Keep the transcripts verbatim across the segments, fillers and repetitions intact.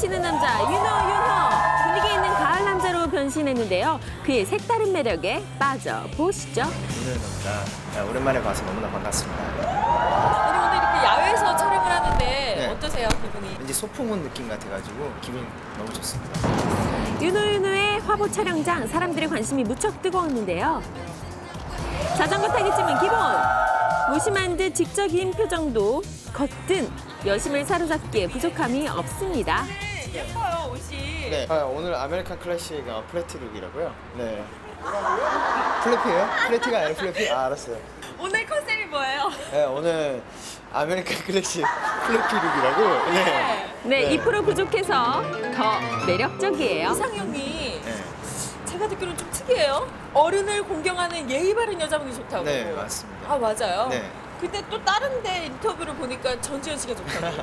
넘치는 남자 윤호 윤호. 분위기 있는 가을 남자로 변신했는데요. 그의 색다른 매력에 빠져보시죠. 오늘 남자 오랜만에 봐서 너무나 반갑습니다. 아니 오늘 이렇게 야외에서 촬영을 하는데 네. 어떠세요 기분이? 왠지 소풍 온 느낌 같아가지고 기분이 너무 좋습니다. 윤호 윤호의 화보 촬영장 사람들의 관심이 무척 뜨거웠는데요. 자전거 타기 쯤은 기본. 무심한 듯 직접인 표정도 겉든 여심을 사로잡기에 부족함이 없습니다. 예뻐요 옷이. 네. 아, 오늘 아메리칸 클래식 어, 플래티 룩이라고요. 네. 플래피예요? 플래티가 아니라 플래피? 아, 알았어요. 오늘 컨셉이 뭐예요? 네, 오늘 아메리칸 클래식 플래피 룩이라고. 네. 네, 이 프로 부족해서 더 매력적이에요. 이상형이 네. 제가 듣기로는 좀 특이해요. 어른을 공경하는 예의 바른 여자분이 좋다고. 네, 맞습니다. 아 맞아요? 네. 근데 또 다른 데 인터뷰를 보니까 전지현 씨가 좋다고.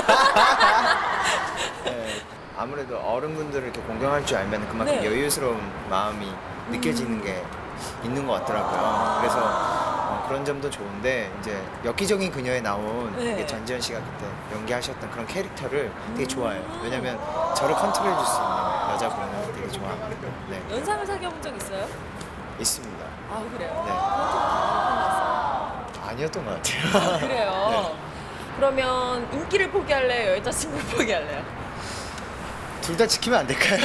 네. 아무래도 어른분들을 이렇게 공경할 줄 알면 그만큼 네. 여유스러운 마음이 느껴지는 게 있는 것 같더라고요. 그래서 어, 그런 점도 좋은데 이제 엽기적인 그녀에 나온 네. 이게 전지현 씨가 그때 연기하셨던 그런 캐릭터를 되게 좋아해요. 왜냐면 저를 컨트롤해 줄 수 있는 여자분을 되게 좋아합니다. 네. 연상을 사귀어본 적 있어요? 있습니다. 아 그래요? 네. 그건 아니었던 것 좀 같아요. 그래요. 네. 그러면 인기를 포기할래요? 여자친구를 포기할래요? 둘 다 지키면 안 될까요?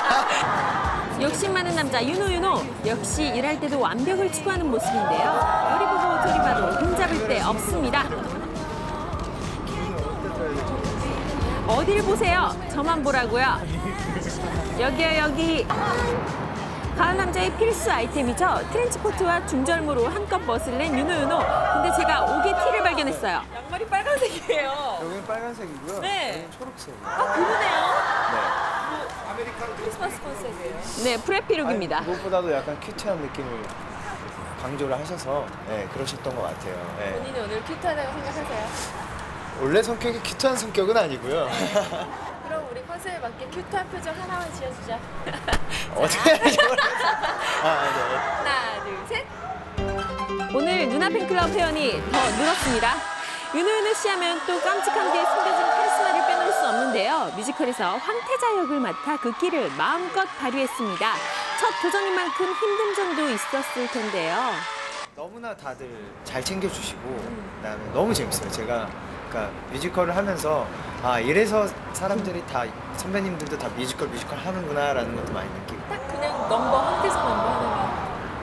욕심 많은 남자 윤호 윤호. 역시 일할 때도 완벽을 추구하는 모습인데요. 요리 보고 조리 봐도 흠잡을 데 없습니다. 어딜 보세요? 저만 보라고요. 여기요 여기. 가을 남자의 필수 아이템이죠. 트렌치코트와 중절모로 한껏 멋을 낸 윤호 윤호. 근데 제가 옥의 티를 발견했어요. 양말이 빨간색이에요. 여기는 빨간색이고요. 네. 여기는 초록색이에요. 아 그러네요. 네. 크리스마스 컨셉이에요. 네, 프레피룩입니다. 아니, 무엇보다도 약간 큐트한 느낌을 강조를 하셔서 네, 그러셨던 것 같아요. 네. 본인이 오늘 큐트하다고 생각하세요? 원래 성격이 큐트한 성격은 아니고요. 그럼 우리 컨셉에 맞게 큐트한 표정 하나만 지어주자. 어떻게 하는지 모르겠어요. 아, 네. 하나, 둘, 셋. 오늘 누나 팬클럽 회원이 더 늘었습니다. 윤호 윤호 씨 하면 또 깜찍한 게 숨겨진 카리스마를 빼놓을 수 없는데요. 뮤지컬에서 황태자 역을 맡아 그 끼를 마음껏 발휘했습니다. 첫 도전인 만큼 힘든 점도 있었을 텐데요. 너무나 다들 잘 챙겨주시고 그다음에 너무 재밌어요. 제가 그러니까 뮤지컬을 하면서 아 이래서 사람들이 다 선배님들도 다 뮤지컬 뮤지컬 하는구나라는 것도 많이 느끼고 딱 그냥 넘버 황태자 넘버 하나만.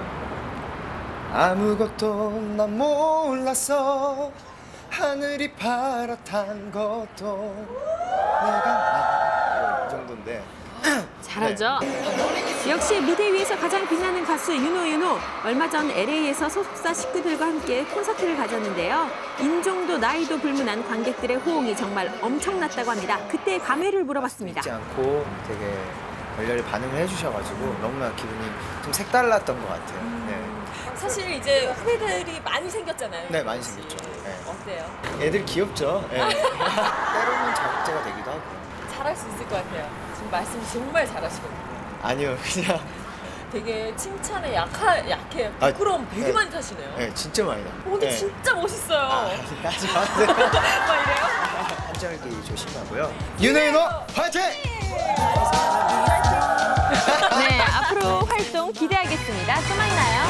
아무것도 난 몰랐어 하늘이 파랗단 것도 내가 나 이 정도인데 잘하죠? 역시 무대 위에서 가장 빛나는 가수 윤호 윤호. 얼마 전 엘에이에서 소속사 식구들과 함께 콘서트를 가졌는데요. 인종도 나이도 불문한 관객들의 호응이 정말 엄청났다고 합니다. 그때 감회를 물어봤습니다. 잊지 않고 되게 열렬히 반응을 해주셔가지고 너무나 기분이 좀 색달랐던 것 같아요. 네, 사실 이제 후배들이 많이 생겼잖아요. 네 많이 생겼죠. 네. 어때요? 애들 귀엽죠. 네. 때로는 자극제가 되기도 하고. 잘할 수 있을 것 같아요. 지금 말씀 정말 잘하시거든요. 아니요, 그냥 되게 칭찬에 약하, 약해요. 아, 부끄러움 되게 네. 많이 타시네요. 네, 진짜 많이 나. 어, 근데 진짜 멋있어요. 아, 아니, 하지 마세요. 막 이래요? 한절기 조심하고요. 윤호 윤호 화이팅! 네, 앞으로 활동 기대하겠습니다. 또 만나요.